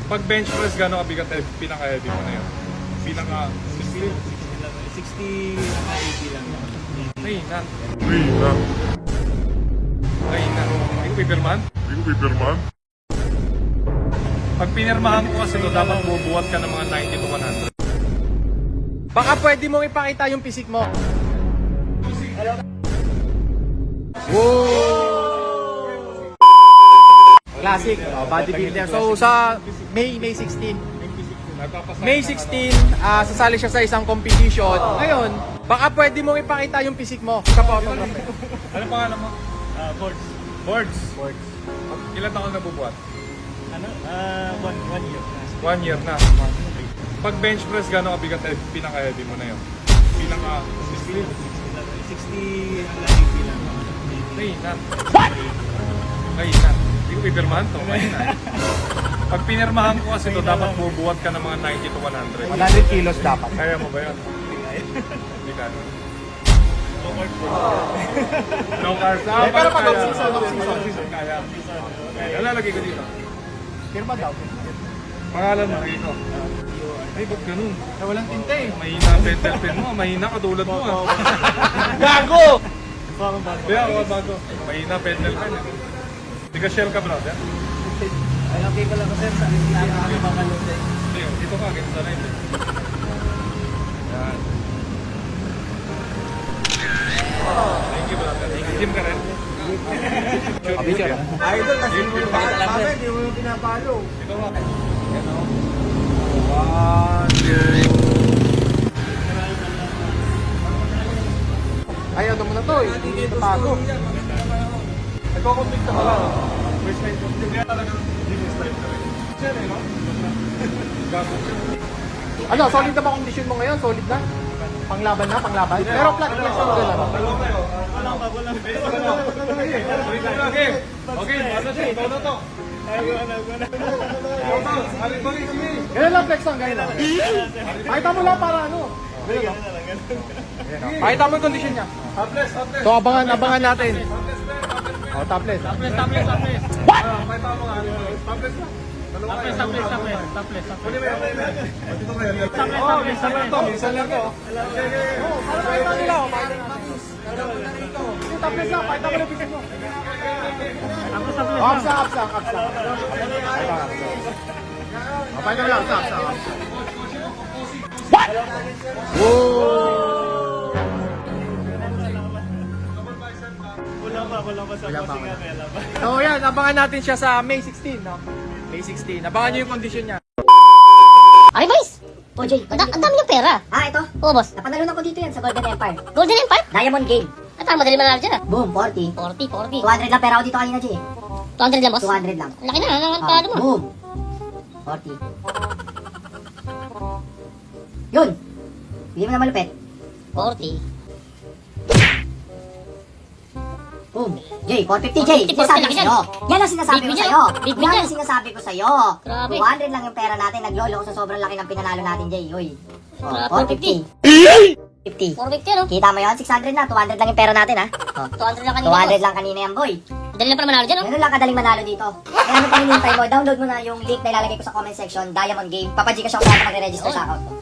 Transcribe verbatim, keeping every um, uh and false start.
Pag bench press, gano'ng kabigat eh, pinaka-heavy mo na yun? Pinaka... sixty, eighty lang. Mahina. Mahina. Mahina. Hindi ko pipirmahan? Hindi ko pipirmahan. Pag pinirmahan ko kasi ito, dapat bubuhat ka ng mga ninety to one hundred. Baka pwede mong ipakita yung pisik mo. Wow! Classic, oh, bodybuilder. So sa May May sixteen. May sixteen, ah sasali siya sa isang competition. Ngayon, baka pwede mong ipakita yung pisik mo sa photograph. Ano pangalan mo? Ah, boards. Boards. Boards. Ilan taon na bubuhat? Ano? Ah, one, one year. One year na. Pag bench press, gano'ng kabigat eh, pinaka-heavy mo na yun? Pinaka... sixty, eighty lang. Mahina. Mahina. Hindi ko pipirmahan to. Mahina. Pag pinirmahan ko kasi ito, dapat bubuhat ka ng mga ninety to one hundred. one hundred kilos dapat. Kaya mo ba yun? Hindi ka. No carbs. Ah, Eh, pero pag kaya. off-season, off-season. Off-season, Kaya. Kaya. Lalagay ko dito. Firma daw. Pangalan mo rito. Ay, ba't ganun? Na walang tinta eh. Mahina ang pentel pen mo. Mahina katulad mo. ah. Gago! Parang bago. Kaya ako bago. Mahina pentel pen. eh. Hindi ka shell ka, brother? Alam ko lang kasi sa akin makalot eh. Hindi, dito ka. Ganito sa line. eh. Yan. Thank you, brother. Gym ka rin? Picture ka. Idol, kasi Gym, gym. hindi mo yung pinapalo. Ito ka. One, two. Ay, ano mo na to eh. Hindi ito tago. Nagko-complete ka pala. First time ko. Kaya talagang gym is life ka rin. Siya rin, no? Gago. Ano, solid na ba condition mo ngayon? Solid na? Panglaban na, panglaban? Pero flat flex mo ka lang. Dalawa kayo. Walang bago lang. Ulit lang lagi. Okay, ano siya? Ikaw na to. Ay, wala, wala. Ikaw na. Halit balik, sige. Ganyan lang flex lang, ganyan lang. Pakita mo lang para ano. Ganyan lang. Pakita mo yung condition niya. Topless, topless. So abangan, abangan natin. Topless, man. Topless, man. Oh, topless. Topless, topless, topless. Ah, may tama nga. Topless lang. Dalawa kayo. Topless, topless, topless. Kunin mo yan, kunin mo yan. O, dito kayo. Oh, minsan lang to. Minsan lang to. Okay, okay. Oh, para pakita nila. Oh, pakita yung topless lang, pakita mo yung pisik mo. Oh, apsa, apsa, apsa. Oh, pakita mo lang, apsa, apsa. What? Whoa! Wala pa, wala pa sa Wala pa, bossing wala. nga, kaya lang. So yan, abangan natin siya sa May sixteen, no? May sixteen. Abangan nyo yung condition niya. Ay, boys! O, Jay, ang, ang dami niyong pera. Ah, ito. Oo, boss. Napanalunan ko dito yan sa Golden Empire. Golden Empire? Diamond Game. At ang madali manalo dyan ah. Boom, forty. forty, forty. two hundred lang pera ko dito kanina, Jay. two hundred lang, boss? two hundred lang. Laki na, ang Ah, palo mo. boom. forty. Yun. Bigyan mo na malupit. forty. Boom. Jay, four fifty, Jay. four fifty, Sinasabi ko laki sa'yo. Yan ang sinasabi Big ko win sa'yo. yan. Big win Yan yan. ang sinasabi ko sa'yo. Grabe. two hundred lang yung pera natin. Naglolo ko sa sobrang laki ng pinanalo natin, Jay. Uy. Oh, Grabe, four fifty. fifty. four fifty ano? Kita mo yun? six hundred na. two hundred lang yung pera natin, ha? Oh. two hundred lang kanina, two hundred boss. lang kanina yan, boy. Dali lang para manalo dyan, oh. Ganun lang kadaling manalo dito. Kaya ano pang hinihintay mo? Download mo na yung link na ilalagay ko sa comment section, Diamond Game. Papaji ka siya kung saan ka magre-register sa account ko.